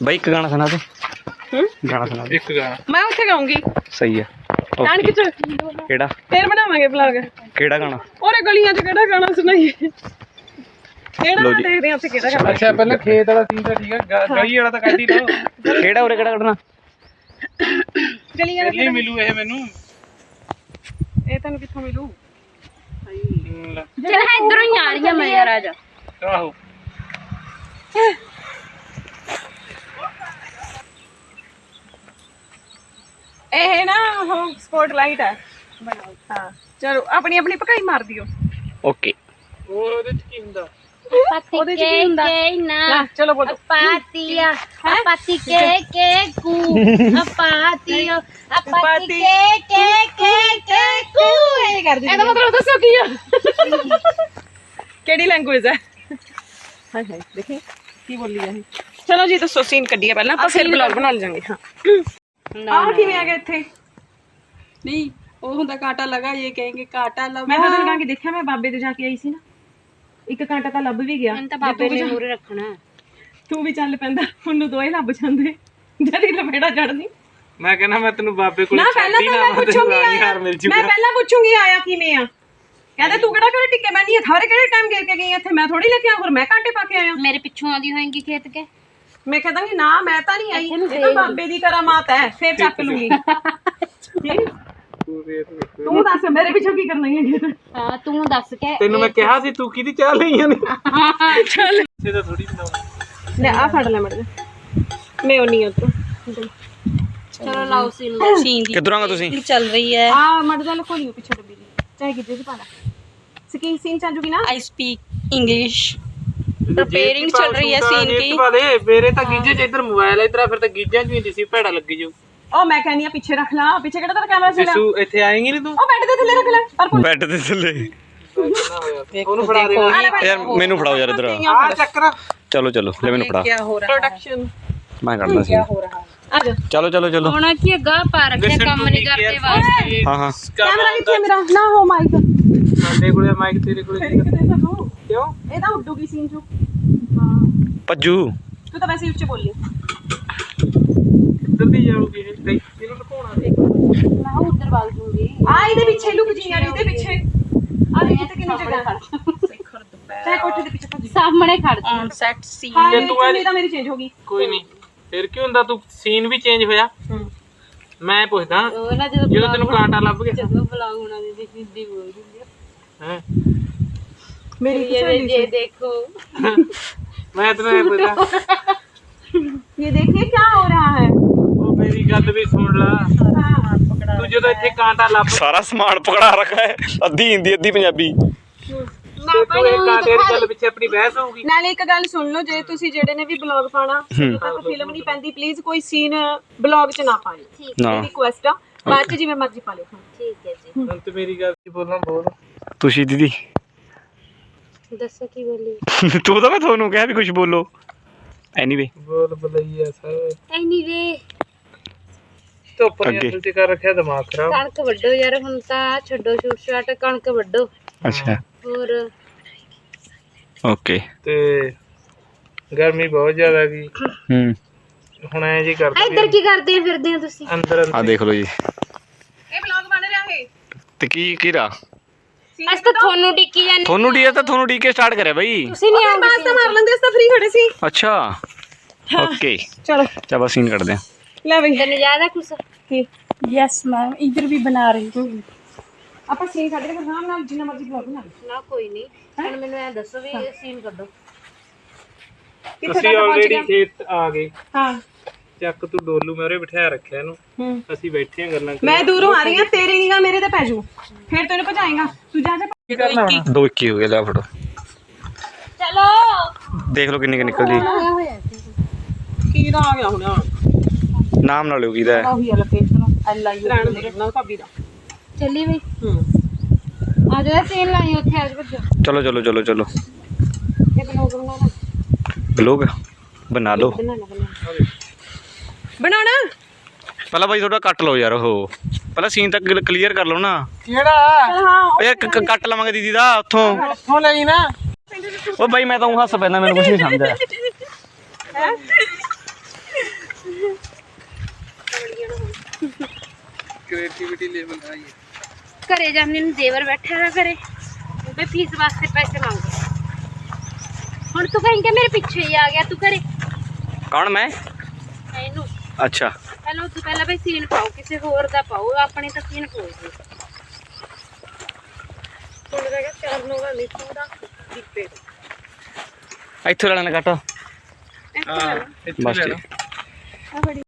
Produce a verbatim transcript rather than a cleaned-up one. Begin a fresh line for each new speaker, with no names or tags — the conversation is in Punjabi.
भाई एक गाना सुना दे। गाना सुना दे।
एक गाना
मैं उत्थे गाऊंगी।
सही है।
नानक च
केड़ा
फिर बनावांगे ब्लॉग।
केड़ा गाना
और गलियां च केड़ा गाना सुनाइए। केड़ा
लो जी।
देखदे हैं उत्थे केड़ा गाना।
अच्छा पहले खेत वाला सीन तो ठीक है गली वाला तो ਕੱਢ ਹੀ ਲਓ
केड़ा उरे केड़ा कढना
गलियां
ਪਹਿਲੇ ਮਿਲੂ ਇਹ ਮੈਨੂੰ
ਇਹ ਤੈਨੂੰ ਕਿੱਥੋਂ ਮਿਲੂ?
चल इधरों ही आ रही है मैं यार आजा।
ਆਹੋ
ਇਹ ਨਾ ਉਹ ਸਪੌਟਲਾਈਟ ਹੈ। ਹਾਂ ਚਲੋ ਆਪਣੀ ਆਪਣੀ ਪਕਾਈ ਮਾਰ ਦਿਓ।
ओके
ਉਹ ਉਹਦੇ ਚ ਕੀ ਹੁੰਦਾ
पाती
ਉਹਦੇ ਚ
के
ਕੀ ਹੁੰਦਾ?
के ना
ਲੈ ਚਲੋ ਬੋਲੋ।
पातिया पाती के के कू पातियो पाती के के के के कू
ਇਹ ਕਰ ਦਿੰਦੀ ਇਹਦਾ ਮਤਲਬ ਦੱਸੋ ਕੀ ਆ? ਕਿਹੜੀ ਲੈਂਗੁਏਜ ਹੈ? ਹਾਏ ਹਾਏ ਦੇਖੀ ਕੀ ਬੋਲੀ ਹੈ ਇਹ। ਚਲੋ ਜੀ ਦੱਸੋ ਸੀਨ ਕੱਢੀਏ ਪਹਿਲਾਂ ਆਪਾਂ ਫਿਰ ਬਲੌਗ ਬਣਾ ਲਵਾਂਗੇ। ਹਾਂ ਆਹ ਕਿਵੇਂ ਆ ਗਿਆ ਇੱਥੇ?
नहीं वो होंदा कांटा लगा ये कहेंगे कांटा लगा
ਮੈਂ ਤਾਂ ਦਿਨਾਂ ਕਿ ਦੇਖਿਆ ਮੈਂ ਬਾਬੇ ਦੇ ਜਾ ਕੇ ਆਈ ਸੀ ਨਾ ਇੱਕ ਕਾਂਟਾ ਤਾਂ ਲੱਭ ਵੀ ਗਿਆ।
मैंने तो बाबे ने मूरे रखना
ਤੂੰ ਵੀ ਚੱਲ ਪੈਂਦਾ ਉਹਨੂੰ ਦੋਏ ਲੱਭ ਜਾਂਦੇ ਜਦੀ ਲਪੇੜਾ ਚੜਦੀ।
ਮੈਂ ਕਹਿੰਦਾ ਮੈਂ ਤੈਨੂੰ ਬਾਬੇ ਕੋਲ
ਨਾ ਪਹਿਲਾਂ ਤਾਂ ਮੈਂ ਪੁੱਛੂੰਗੀ ਆਇਆ
ਮਿਲ
ਮੈਂ ਪਹਿਲਾਂ ਪੁੱਛੂੰਗੀ ਆਇਆ ਕਿਵੇਂ ਆ। ਕਹਿੰਦੇ ਤੂੰ ਕਿਹੜਾ ਕਿਹੜੇ ਟਿੱਕੇ ਬੈਣੀ ਹੈ ਥਾਰੇ ਕਿਹੜੇ ਟਾਈਮ ਗੇ ਕੇ ਗਈ ਇੱਥੇ ਮੈਂ ਥੋੜੀ ਲੈ ਕੇ ਆ ਹੋਰ ਮੈਂ ਕਾਂਟੇ ਪਾ ਕੇ ਆਇਆ।
मेरे पिछू आंदी होएंगी खेत के
ਮੈਂ ਕਹਿੰਦਾਂਗੀ ਨਾ ਮੈਂ ਤਾਂ ਨਹੀਂ ਆਈ ਇਹ ਤਾਂ ਬਾਬੇ ਦੀ ਕਰਾਮਾਤ ਹੈ ਫੇਰ ਚੱਕ ਲੂੰਗੀ। ਤੂੰ ਦੱਸ ਮੇਰੇ ਪਿੱਛੋਂ ਕੀ ਕਰਨਾ ਹੈ?
हां तू दस के
ਤੈਨੂੰ ਮੈਂ ਕਿਹਾ ਸੀ ਤੂੰ ਕਿਹਦੀ ਚਾਹ ਲਈਆਂ ਨੇ ਚੱਲ ਇਹ ਤਾਂ ਥੋੜੀ ਬਣਾਉਣਾ
ਲੈ ਆ ਫੜ ਲੈ ਮੜ ਮੈਂ ਉਹ ਨਹੀਂ ਉਤੋਂ
चलो लाओ सीन सीन
किधर आंगा तुसी
चल रही है
ਆ ਮੜ ਜਾ ਲਕੋ ਲਿਓ ਪਿੱਛੇ ਡੱਬੀ ਦੀ ਚਾਹੇ ਕਿਤੇ ਚ ਪਾਣਾ ਸਕੀ ਸੀਨ ਚਾਜੂਗੀ ਨਾ।
आई स्पीक इंग्लिश प्रिपेयरिंग चल रही है सीन की
ਵਾਲੇ ਮੇਰੇ ਤਾਂ ਗੀਜੇ ਚ ਇੱਧਰ ਮੋਬਾਈਲ ਹੈ ਇੱਧਰ ਫਿਰ ਤਾਂ ਗੀਜਿਆਂ ਚ ਵੀ ਹੁੰਦੀ ਸੀ ਭੈੜਾ ਲੱਗੀ ਜੋ
ਉਹ ਮੈਂ ਕਹਿੰਦੀ ਆ ਪਿੱਛੇ ਰੱਖ ਲਾ ਪਿੱਛੇ ਕਿਹੜਾ ਤੇਰਾ ਕੈਮਰਾ ਚੱਲਿਆ
ਜਿਸੂ ਇੱਥੇ ਆਏਂਗੀ ਨਹੀਂ ਤੂੰ
ਉਹ ਬੈੱਡ ਦੇ ਥੱਲੇ ਰੱਖ ਲੈ ਪਰ
बेड ते थल्ले
ਉਹਨੂੰ ਫੜਾ ਦੇਣਾ
यार मेनू फड़ाओ यार इधर
ਆ ਚੱਕਰ
चलो चलो ले मैनू फड़ा
क्या हो रहा
प्रोडक्शन
मैं करदा सी
हो रहा है
आ जा
चलो चलो चलो
होना की गा पा रखे काम नहीं करते वास्ते
हाँ हाँ
ਕੈਮਰਾ ਕਿੱਥੇ ਮੇਰਾ ਨਾ ਹੋ ਮਾਈਕ
ਸਾਡੇ ਕੋਲੇ ਮਾਈਕ ਤੇਰੇ ਕੋਲੇ
ਫਿਰ ਕਿਤੇ ਸਾਨੂੰ
ਕਿਉਂ
ਇਹ ਤਾਂ ਉੱਡੂਗੀ ਸੀਨ ਚੋਂ। ਹਾਂ
पज्जू
ਤੂੰ ਤਾਂ ਵੈਸੇ ਹੀ ਉੱਚੇ ਬੋਲੀ
ਕਿੱਧਰ ਦੀ ਜਾਊਗੀ ਇਹ ਤੇ ਇਹਨੂੰ ਲੁਕਾਉਣਾ
मैं उधर भाग दूंगी
ਆ ਇਹਦੇ ਪਿੱਛੇ ਲੁਕ ਜੀ ਯਾਰ ਇਹਦੇ ਪਿੱਛੇ ਆ ਦੇਖ ਤੇ ਕਿੰਨੀ ਜਗ੍ਹਾ ਚਾਹੇ ਕੋਠੇ ਦੇ ਪਿੱਛੇ ਭੱਜ
सामने खड़ जा
ऑन सेट सीन
ਹਾਂ
ਤੇ
ਇਹ
ਤੂੰ
ਚੁੰਨੀ ਤਾਂ ਮੇਰੀ ਚੇਂਜ ਹੋ ਗਈ।
ਕੋਈ ਨਹੀਂ ਫਿਰ ਕੀ ਹੁੰਦਾ ਤੂੰ ਸੀਨ ਵੀ ਚੇਂਜ ਹੋਇਆ ਮੈਂ ਪੁੱਛਦਾ
वो ना जो
ਜਦੋਂ ਤੈਨੂੰ ਕਾਂਟਾ ਲੱਭ ਗਿਆ
जो ब्लॉग होना दी सीधी बोल दूंगी
ਹੈ
ਮੇਰੀ
ये ये देखो
ਮੈਂ ਤੈਨੂੰ ਇਹ ਪੁੱਛਦਾ
ये देखिए क्या हो रहा है।
ਉਹ ਮੇਰੀ ਗੱਲ ਵੀ ਸੁਣ ਲਾ ਤੂੰ ਜਦੋਂ ਇੱਥੇ ਕਾਂਟਾ ਲੱਭ
सारा सामान पकड़ा रखा है अद्धी हिंदी अद्धी पंजाबी
ਤੇ ਤੂੰ ਇਹ ਕਾਂਟੇ ਦੀ ਗੱਲ ਪਿੱਛੇ ਆਪਣੀ ਬਹਿਸ ਹੋਊਗੀ
ਨਾਲੇ ਇੱਕ ਗੱਲ ਸੁਣ ਲਓ ਜੇ ਤੁਸੀਂ ਜਿਹੜੇ ਨੇ ਵੀ ਬਲੌਗ ਪਾਣਾ ਜਦੋਂ ਤੱਕ ਫਿਲਮ ਨਹੀਂ ਪੈਂਦੀ ਪਲੀਜ਼ ਕੋਈ ਸੀਨ ਬਲੌਗ 'ਚ ਨਾ ਪਾਇਓ।
ना
ਇਹ ਰਿਕੁਐਸਟ ਆ ਬਾਅਦ 'ਚ ਜਿਵੇਂ ਮਰਜ਼ੀ ਪਾ ਲਿਓ।
ठीक है जी
ਹੁਣ ਤੇ ਮੇਰੀ ਗੱਲ ਕੀ ਬੋਲਾਂ ਬੋਲ
तुसी दीदी
दसो की बोली
तू तो मैं थोनू कहा भी कुछ बोलो एनीवे
ਬੋਲ ਬਲਈਆ ਸਾਹਿਬ
एनीवे
ਧੁੱਪ ਨੇ
ਅੱਗੇ।
ਅਸਲ ਚ ਕਰ ਰੱਖਿਆ ਦਿਮਾਗ ਖਰਾਬ
कणक वड्डो यार हुन तां छड्डो छूट छाट कणक वड्डो
अच्छा
और
ओके
ਤੇ ਗਰਮੀ ਬਹੁਤ ਜ਼ਿਆਦਾ ਗਈ
हम्म
ਹੁਣ ਐ ਜੀ ਕਰਦੇ
इधर की करदे फिरदे हो तुसी
ਅੰਦਰ
आ देख लो जी
ਇਹ ਬਲੌਗ ਬਣ ਰਿਹਾ ਹੈ
ते की कीरा
अस तो थोनू टिक्की जाने
थोनू डी तो थोनू डी के स्टार्ट करे भाई
तुसी नहीं आओगे
ਬਾਸ ਤਾਂ ਮਾਰ ਲੈਂਦੇ ਅਸੀਂ ਤਾਂ ਫ੍ਰੀ ਖੜੇ ਸੀ।
अच्छा ओके
ਚਲੋ
चलो सीन कर दे
ਲੈ ਬਈ
तने ज्यादा कुछ
ਕੀ
यस मैम इधर भी बना रही हूँ
ਆਪਾਂ ਸੀਨ ਕੱਢ ਕੇ ਆਰਾਮ ਨਾਲ ਜਿੰਨਾ ਮਰਜ਼ੀ ਬਲੌਗ ਬਣਾ ਲਓ।
ना कोई नहीं हुन मेनू ए दसो भी सीन कर दो
ਕਿੱਥੇ
ਤੁਸੀਂ
ਤੱਕ ਪਹੁੰਚ
ਆਲਰੇਡੀ
ਗਿਆ?
ਖੇਤ ਆ ਗਏ
ਹਾਂ
ਚੱਕ ਤੂੰ ਡੋਲੂ ਮੈਂ ਉਰੇ ਬਿਠਾਇਆ ਰੱਖਿਆ ਇਹਨੂੰ
ਹੂੰ
ਅਸੀਂ ਬੈਠੇ ਆ ਗੱਲਾਂ
ਮੈਂ ਦੂਰੋਂ ਆ ਰਹੀ ਹਾਂ ਤੇਰੀ ਨਿਗਾਹ ਮੇਰੇ ਤੇ ਪੈ ਜੂ ਫਿਰ ਤੈਨੂੰ ਭਜਾਏਗਾ ਤੂੰ ਜਾ ਜਾ
ਕੀ ਕਰਨਾ ਹੁਣ
दो इक्की हो गया ले फटो
चलो
देख लो किन्नी निकल जी
ਕੀ ਦਾ ਆ ਗਿਆ ਹੁਣ
नाम ना लो कीदा है
ਉਹੀ ਆ ਲੋਕੇਸ਼ਨ ਅੱਲਾ ਹੀ ਰਹਿਣ ਦੇ ਨਾ ਭਾਬੀ ਦਾ।
चली भाई
ਹੂੰ
आ जाओ सीन लाई ओथे आज बजो
चलो चलो चलो चलो
ਇਹ ਬਲੌਗ ਬਣਾਉਣਾ
ब्लॉग बना लो
ਬਣਾਉਣਾ ਬਣਾਉਣਾ ਬਣਾਉਣਾ
पहला भाई थोड़ा कट लो यार हो पहला सीन तक क्लियर कर लो ना
ਕਿਹੜਾ
ਹਾਂ
ओ यार कट लवांगे दीदी दा उथों
ਹੋ ਲਈ ਨਾ
ओ भाई मैं तो हंस पैंदा मैंने कुछ नहीं समझा
ਕ੍ਰੀਏਟੀਵਿਟੀ ਲੈਵਲ ਹਾਈ ਹੈ।
ਘਰੇ ਜਾਂਦੇ ਨੂੰ ਦੇਵਰ ਬੈਠਾ ਨਾ ਕਰੇ ਉਹਦੇ ਫੀਸ ਵਾਸਤੇ ਪੈਸੇ ਮੰਗਦੇ ਹੁਣ ਤੂੰ ਕਹੀਂ ਕਿ ਮੇਰੇ ਪਿੱਛੇ ਹੀ ਆ ਗਿਆ ਤੂੰ ਘਰੇ
ਕੌਣ ਮੈਂ
ਇਹਨੂੰ
ਅੱਛਾ
ਪਹਿਲਾਂ ਤੂੰ ਪਹਿਲਾਂ ਬਈ ਸੀਨ ਪਾਓ ਕਿਸੇ ਹੋਰ ਦਾ ਪਾਓ ਆਪਣੇ ਤਾਂ ਸੀਨ ਪਾਓ ਜੀ
ਹੁਣ ਰਹਿ ਗਿਆ ਚਾਰ ਨੋਗਾ ਨਹੀਂ ਪੂਰਾ ਦੀਪੇ
ਇੱਥੋਂ ਲੈਣਾ ਕੱਟ
ਹਾਂ ਇੱਥੇ
ਬਸ
ਲੈ
ਠੀਕ
ਲਓ।
ਆ ਬੜੀ